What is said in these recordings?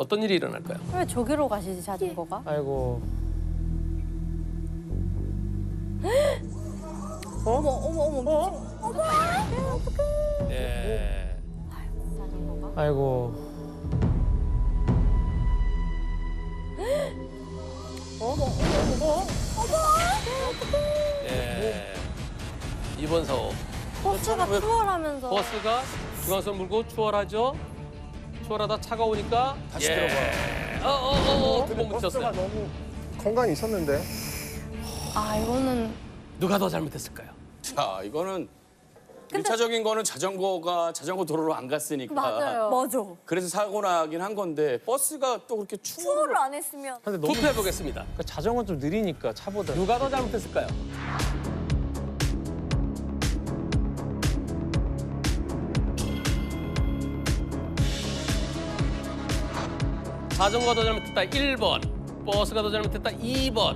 어떤 일이 일어날까요? 왜 저기로 가시지 자전거가? 아이고. 어머. 예. 자전거가? 아이고. 예. 이번 사고. 버스가 추월하면서 버스가 중앙선 물고 추월하죠. 추월하다 차가 오니까 다시 들어가. 구멍 버스가 붙였어요. 너무 공간이 있었는데. 아 이거는 누가 더 잘못했을까요? 자, 이거는 일차적인 거는 자전거 도로로 안 갔으니까. 맞아요. 맞아. 그래서 사고 나긴 한 건데 버스가 또 그렇게 투어를 안 했으면. 근데 너무 투표해 보겠습니다. 그러니까 자전거 좀 느리니까 차보다. 누가 더 잘못했을까요? 자전거가 더 잘못했다 1번, 버스가 더 잘못했다 2번.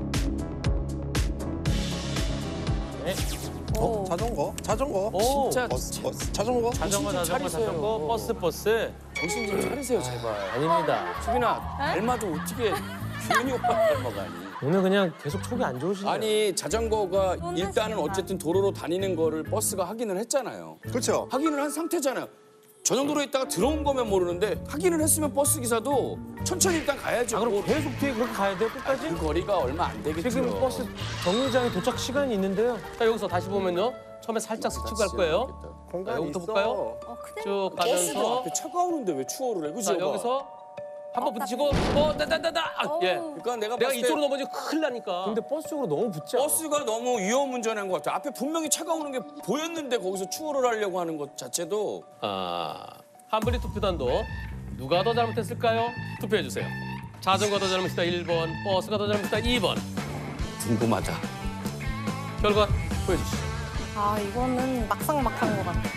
자전거? 자전거? 오. 진짜 자전거? 자전거, 버스. 정신 좀 차리세요, 제발. 아닙니다. 수빈아, 닮아도 어떻게 규현이 오빠 닮아가니? 오늘 그냥 계속 촉이 안 좋으시네요. 아니, 자전거가 일단은 어쨌든 도로로 다니는 거를 버스가 확인을 했잖아요. 그렇죠. 확인을 한 상태잖아요. 저 정도로 있다가 들어온 거면 모르는데 확인을 했으면 버스 기사도 천천히 일단 가야죠. 아, 그럼 계속 뒤에 그렇게 가야 돼요, 끝까지? 그 거리가 얼마 안 되겠죠. 지금 버스 정류장에 도착 시간이 있는데요. 자 여기서 다시 보면요. 처음에 살짝 스치고 갈 거예요. 공간이 여기부터 있어. 볼까요? 크네. 쭉 버스도 가면서 앞에 차가 오는데 왜 추월을 해? 그죠? 자 여기서 한 번 부딪히고 예. 그러니까 내가 내가 봤을 때 이쪽으로 넘어지면 큰일 나니까. 근데 버스 쪽으로 너무 붙지 않아? 버스가 너무 위험 운전한 것 같아. 앞에 분명히 차가 오는 게 보였는데 거기서 추월을 하려고 하는 것 자체도 한분리 투표단도 누가 더 잘못했을까요? 투표해 주세요. 자전거 더 잘못했다 1번, 버스가 더 잘못했다 2번. 궁금하다. 결과 보여주시죠. 아 이거는 막상막한 것 같아.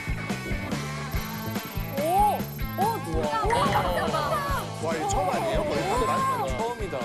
와, 이거 처음 아니에요? 거의 처음이다.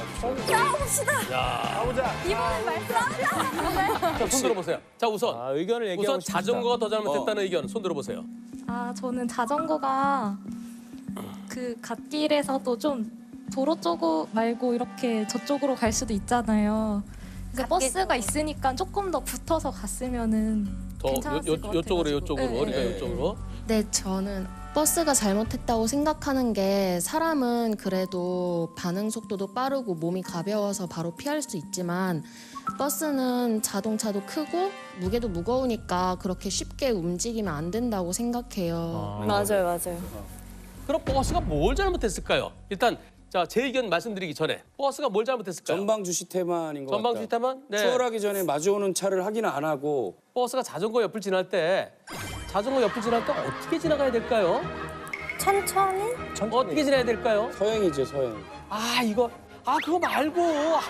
이번엔 말싸움이야. 자, 손 들어보세요. 자 우선 아, 의견을 얘기하고 우선 싶습니다. 자전거가 더 잘못했다는 의견 손 들어보세요. 아, 저는 자전거가 그 갓길에서도 좀 도로 쪽 말고 이렇게 저쪽으로 갈 수도 있잖아요. 그래서 버스가 있으니까 조금 더 붙어서 갔으면은 더 괜찮았을 것 요쪽으로 같아가지고. 요쪽으로 네, 그러니까 네. 요쪽으로. 네, 저는 버스가 잘못했다고 생각하는 게 사람은 그래도 반응 속도도 빠르고 몸이 가벼워서 바로 피할 수 있지만 버스는 자동차도 크고 무게도 무거우니까 그렇게 쉽게 움직이면 안 된다고 생각해요. 맞아요. 그럼 버스가 뭘 잘못했을까요? 일단 자 제 의견 말씀드리기 전에 버스가 뭘 잘못했을까요? 전방주 시태만인 것 전방 같다. 주시타만 네. 추월하기 전에 마주오는 차를 확인을 안 하고 버스가 자전거 옆을 지날 때 어떻게 지나가야 될까요? 천천히? 어떻게 지나야 될까요? 서행이죠, 서행. 아 이거 그거 말고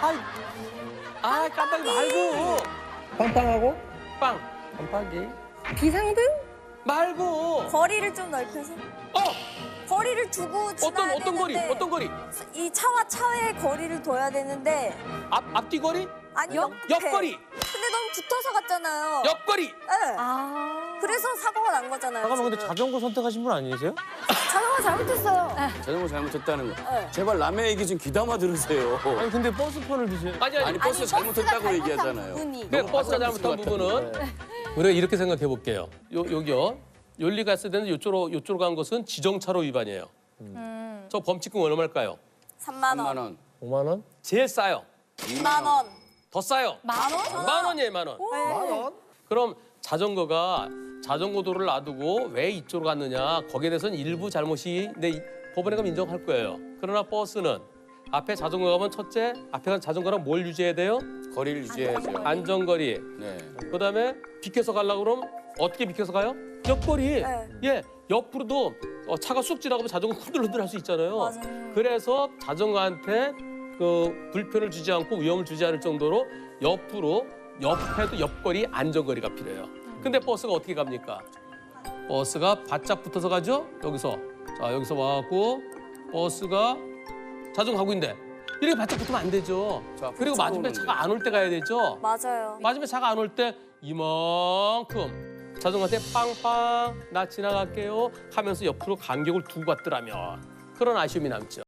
깜빡이 말고 빵빵하고? 빵 깜빡이. 비상등? 말고 거리를 좀 넓혀서. 거리를 두고 지나야 어떤 거리 되는데 어떤 거리 이 차와 차의 거리를 둬야 되는데 앞뒤 거리 아니 옆거리 근데 너무 붙어서 갔잖아요. 옆거리 네. 그래서 사고가 난 거잖아요. 잠깐만, 근데 지금. 자전거 선택하신 분 아니세요? 자전거 잘못했어요. 자전거 잘못했다는 거. 네. 제발 남의 얘기 좀 귀담아 들으세요. 아니, 근데 버스편을 드세요. 아니 버스 잘못했다고 얘기하잖아요. 부분이. 그 버스가 잘못한 부분은 우리가 이렇게 생각해 볼게요. 여기요. 윤리 갔을 때는 요쪽으로 간 것은 지정차로 위반이에요. 저 범칙금 얼마일까요? 3만 3만 원. 원. 5만 원? 제일 싸요. 2만 원. 더 싸요. 만 원? 만 원이에요, 만 원. 만 원? 그럼 자전거가 자전거 도로를 놔두고 왜 이쪽으로 갔느냐? 거기에 대해서는 일부 잘못이 법원에 가면 인정할 거예요. 그러나 버스는 앞에 자전거 가면 첫째, 앞에 간 자전거랑 뭘 유지해야 돼요? 거리를 유지해야죠. 안전거리. 네. 그다음에 비켜서 가려고 그러면 어떻게 비켜서 가요? 옆거리. 네. 예, 옆으로도 차가 쑥 지나가면 자전거 흔들흔들 할 수 있잖아요. 맞아요. 그래서 자전거한테 그 불편을 주지 않고 위험을 주지 않을 정도로 옆에도 옆거리 안전거리가 필요해요. 근데 버스가 어떻게 갑니까? 버스가 바짝 붙어서 가죠? 여기서 와갖고 버스가 자전거 가고 있는데 이렇게 바짝 붙으면 안 되죠. 자, 그리고 붙여서 맞은편 오는데. 차가 안 올 때 가야 되죠. 맞아요. 맞으면 차가 안 올 때 이만큼 자전거한테 빵빵 나 지나갈게요 하면서 옆으로 간격을 두고 갔더라면 그런 아쉬움이 남죠.